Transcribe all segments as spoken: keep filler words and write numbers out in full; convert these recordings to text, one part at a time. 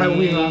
ครอุ้งอิงเหรอ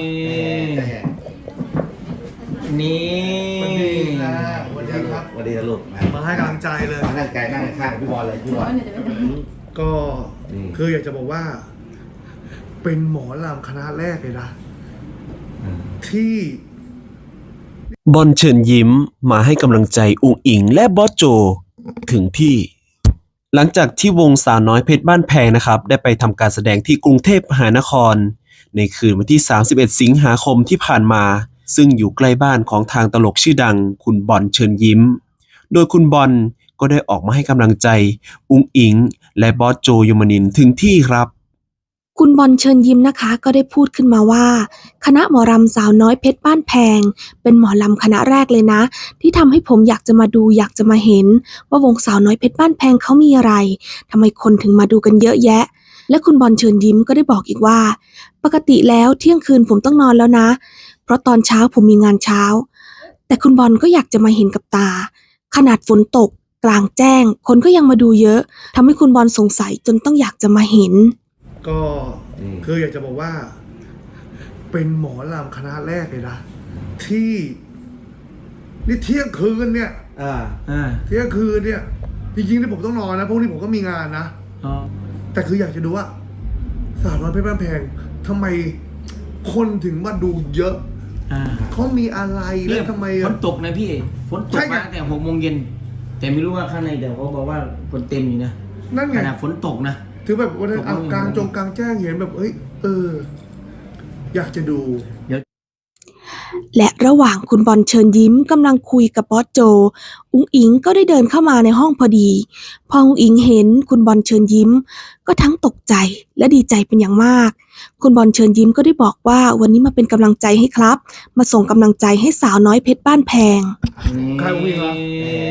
นี่สวัสดีนะสวัสดีครับสวัสดีนะลูกมาให้กำลังใจเลยมานั่งไกลนั่งข้างพี่บอลเลยพี่บอลก็คืออยากจะบอกว่า เป็นหมอลำคณะแรกเลยนะที่บอลเชิญยิ้มมาให้กำลังใจอุ๋งอิงและบอสโจถึงที่ หลังจากที่วงสาวน้อยเพชรบ้านแพงนะครับได้ไปทำการแสดงที่กรุงเทพมหานครในคืนวันที่สามสิบเอ็ดสิงหาคมที่ผ่านมาซึ่งอยู่ใกล้บ้านของทางตลกชื่อดังคุณบอลเชิญยิ้มโดยคุณบอลก็ได้ออกมาให้กำลังใจอุ๋งอิงและบอสโจยมนินทร์ถึงที่ครับคุณบอลเชิญยิ้มนะคะก็ได้พูดขึ้นมาว่าคณะหมอรำสาวน้อยเพชรบ้านแพงเป็นหมอลำคณะแรกเลยนะที่ทำให้ผมอยากจะมาดูอยากจะมาเห็นว่าวงสาวน้อยเพชรบ้านแพงเขามีอะไรทำไมคนถึงมาดูกันเยอะแยะและคุณบอลเชิญยิ้มก็ได้บอกอีกว่าปกติแล้วเที่ยงคืนผมต้องนอนแล้วนะเพราะตอนเช้าผมมีงานเช้าแต่คุณบอลก็อยากจะมาเห็นกับตาขนาดฝนตกกลางแจ้งคนก็ยังมาดูเยอะทำให้คุณบอลสงสัยจนต้องอยากจะมาเห็นก็คืออยากจะบอกว่า เป็นหมอลำคณะแรกเลยนะที่นี่เที่ยงคืนเนี่ยอ่าอ่าเที่ยงคืนเนี่ยจริงๆที่ผมต้องนอนนะพวกนี้ผมก็มีงานนะแต่คืออยากจะดูว่าสาวน้อยเพชรบ้านแพงทำไมคนถึงมาดูเยอะเขามีอะไรแล้วทำไมฝนตกนะพี่ฝนตกมาตั้งแต่หกโมงเย็นแต่ไม่รู้ว่าข้างในเดี๋ยวเขาบอกว่าคนเต็มอยู่นะนั่นไงขนาดฝนตกนะถือแบบวันนั้นกลางจงกลางแจ้งเห็นแบบเอ้ยเอออยากจะดูและระหว่างคุณบอลเชิญยิ้มกำลังคุยกับบอสโจอุ๋งอิงก็ได้เดินเข้ามาในห้องพอดีพออุ๋งอิงเห็นคุณบอลเชิญยิ้มก็ทั้งตกใจและดีใจเป็นอย่างมากคุณบอลเชิญยิ้มก็ได้บอกว่าวันนี้มาเป็นกำลังใจให้ครับมาส่งกำลังใจให้สาวน้อยเพชรบ้านแพงใครอุ้งอิงเหรอ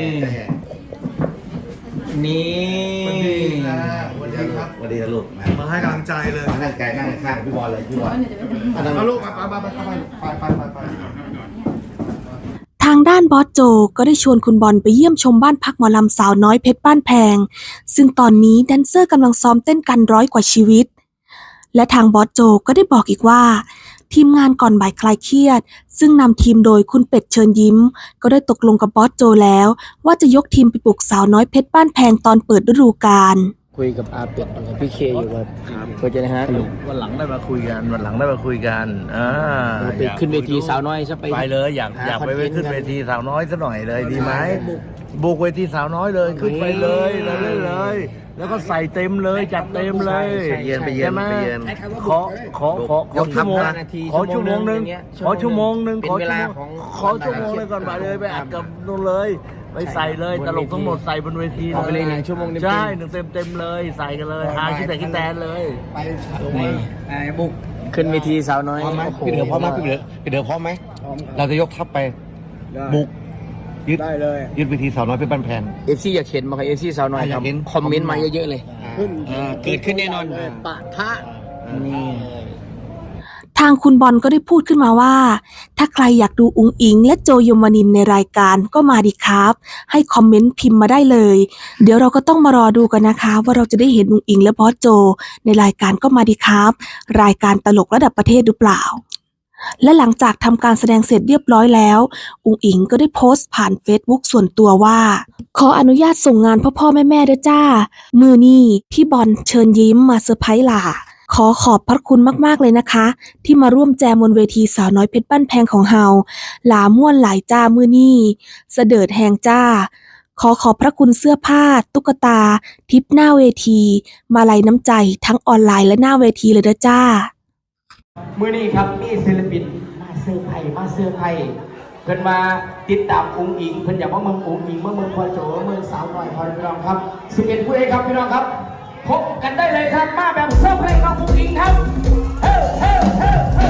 นี่สวัสดีนะสวัสดีครับสวัสดีนะลูกมาให้กำลังใจเลยมานั่งไกลนั่งข้างพี่บอลเลยพี่บอลเอาลูกมาไปไปไปไปไปไปไปทางด้านบอสโจก็ได้ชวนคุณบอลไปเยี่ยมชมบ้านพักหมอลำสาวน้อยเพชรบ้านแพงซึ่งตอนนี้แดนเซอร์กำลังซ้อมเต้นกันร้อยกว่าชีวิตและทางบอสโจก็ได้บอกอีกว่าทีมงานก่อนบ่ายคลายเครียดซึ่งนำทีมโดยคุณเป็ดเชิญยิ้มก็ได้ตกลงกับบอสโจแล้วว่าจะยกทีมไปปลุกสาวน้อยเพชรบ้านแพงตอนเปิดฤดูกาลคุยกับอาเป็ดกับพี่เคอยู่ครับเพื่อจะนะฮะวันหลังได้มาคุยกันวันหลังได้มาคุยกันอ่าไปขึ้นเวทีสาวน้อยซะไปไปเลยอยากอยากไปขึ้นเวทีสาวน้อยซะหน่อยเลยดีไหมบุกเวทีสาวน้อยเลยขึ้นไปเลยเลยเลยแล้วก็ใส่เต็มเลยจัดเต็มเลยเย็นไปเย็นไปเย็นขอขอขอขอชั่วโมงขอชั่วโมงหนึ่งขอชั่วโมงหนึ่งขอชั่วโมงขอชั่วโมงเลยก่อนไปเลยไปอัดกับนู่นเลยไปใส่เลยตลกทั้งหมดใส่บนเวทีเอาไปเลยหนึ่งชั่วโมงใช่หนึ่งเต็มเต็มเลยใส่กันเลยหาคิดแต่คิดแตนเลยไปไอ้บุกขึ้นเวทีสาวน้อยพี่เดือพร้อมไหมพี่เดือพี่เดือพร้อมไหมเราจะยกทัพไปบุกยึดได้เลยยึดเวทีสาวน้อยเพชรบ้านแพงเอฟซีอยากเห็นมาค่ะเอฟซีสาวน้อยครับคอมเมนต์มาเยอะๆเลยเกิดขึ้นแน่นอนปะทะนี่ทางคุณบอลก็ได้พูดขึ้นมาว่าถ้าใครอยากดูอุ๋งอิงและโจยมนินทร์ในรายการก็มาดิครับให้คอมเมนต์พิมพ์มาได้เลยเดี๋ยวเราก็ต้องมารอดูกันนะคะว่าเราจะได้เห็นอุ๋งอิงและบอสโจในรายการก็มาดิครับรายการตลกระดับประเทศหรือเปล่าและหลังจากทำการแสดงเสร็จเรียบร้อยแล้วอุ๋งอิงก็ได้โพสต์ผ่านเฟซบุ๊กส่วนตัวว่าขออนุญาตส่งงานพ่อพ่อแม่แม่ด้วยจ้ามือนี่พี่บอลเชิญยิ้มมาเซอร์ไพรส์ล่ะขอขอบพระคุณมากๆเลยนะคะที่มาร่วมแจมบนเวทีสาวน้อยเพชรบ้านแพงของเฮาหลาม่วนหลายจ้ามือนี่เสดิร์ดแหงจ้าขอขอบพระคุณเสื้อผ้าตุ๊กตาทิปหน้าเวทีมาลัยน้ำใจทั้งออนไลน์และหน้าเวทีเลยนะจ้ามื้อนี้ครับมีศิลปินมาเซอร์ไพรส์มาเซอร์ไพรส์เพิ่นมาติดตามอุ๋งอิงเพิ่นอยากว่าเมืองอุ๋งอิงเมืองเมืองพ่อโจเมืองสาวน้อยพ่อพี่น้องครับสิบเอ็ดผู้เอกครับพี่น้องครับพบกันได้เลยครับมาแบบเซอร์ไพรส์ของอุ๋งอิงครับเฮ้เฮ้เฮ้เฮ้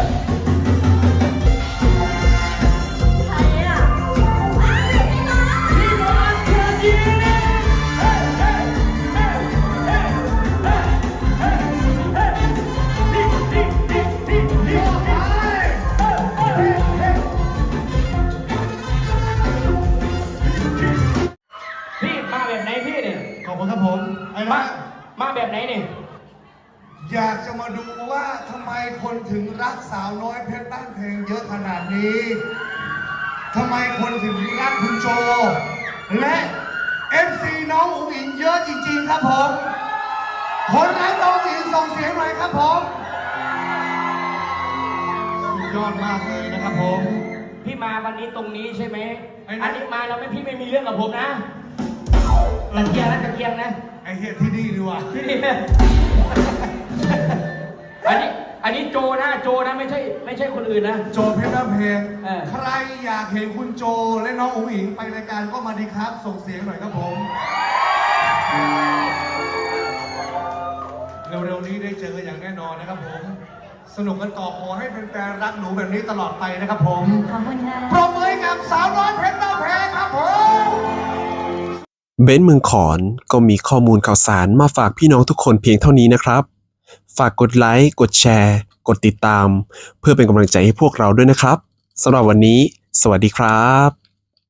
ใครอ่ะพี่บอลเชิญยิ้มเฮ้เฮ้เฮ้เฮ้เฮ้เฮ้เฮ้ดิดิดิดิดิพี่มาแบบไหนพี่เนี่ยขอบคุณครับผมไอ้มามาแบบไหนเนี่ยอยากจะมาดูว่าทำไมคนถึงรักสาวน้อยเพชรบ้านเพลงเยอะขนาดนี้ทำไมคนถึงรักคุณโจและเอฟซีน้องอุ๋งอิงเยอะจริงๆครับผมคนรักน้องอุ๋งอิงส่งเสียงหน่อยครับผมสุดยอดมากเลยนะครับผมพี่มาวันนี้ตรงนี้ใช่ไหมไอ้นะอันนี้มาแล้วไม่พี่ไม่มีเรื่องกับผมนะตะเกียงนะตะเกียงนะไอเฮียที่นี่ดีว่ะที่นี่ อันนี้อันนี้โจนะโจนะไม่ใช่ไม่ใช่คนอื่นนะโจเพชรบ้านเพลงเออใครอยากเห็นคุณโจและน้องอุ๋งอิงไปรายการก็มาดีครับ ส่งเสียงหน่อยครับผม เร็วๆนี้ได้เจอกันอย่างแน่นอนนะครับผม สนุกกันต่อขอให้แฟนๆรักหนูแบบนี้ตลอดไปนะครับผมขอบคุณค่ะปรบมือให้กับสาวน้อยเพชรบ้านเพลงครับผมเบ้นเมืองขอนก็มีข้อมูลข่าวสารมาฝากพี่น้องทุกคนเพียงเท่านี้นะครับ ฝากกดไลค์ กดแชร์ กดติดตาม เพื่อเป็นกำลังใจให้พวกเราด้วยนะครับสำหรับวันนี้ สวัสดีครับ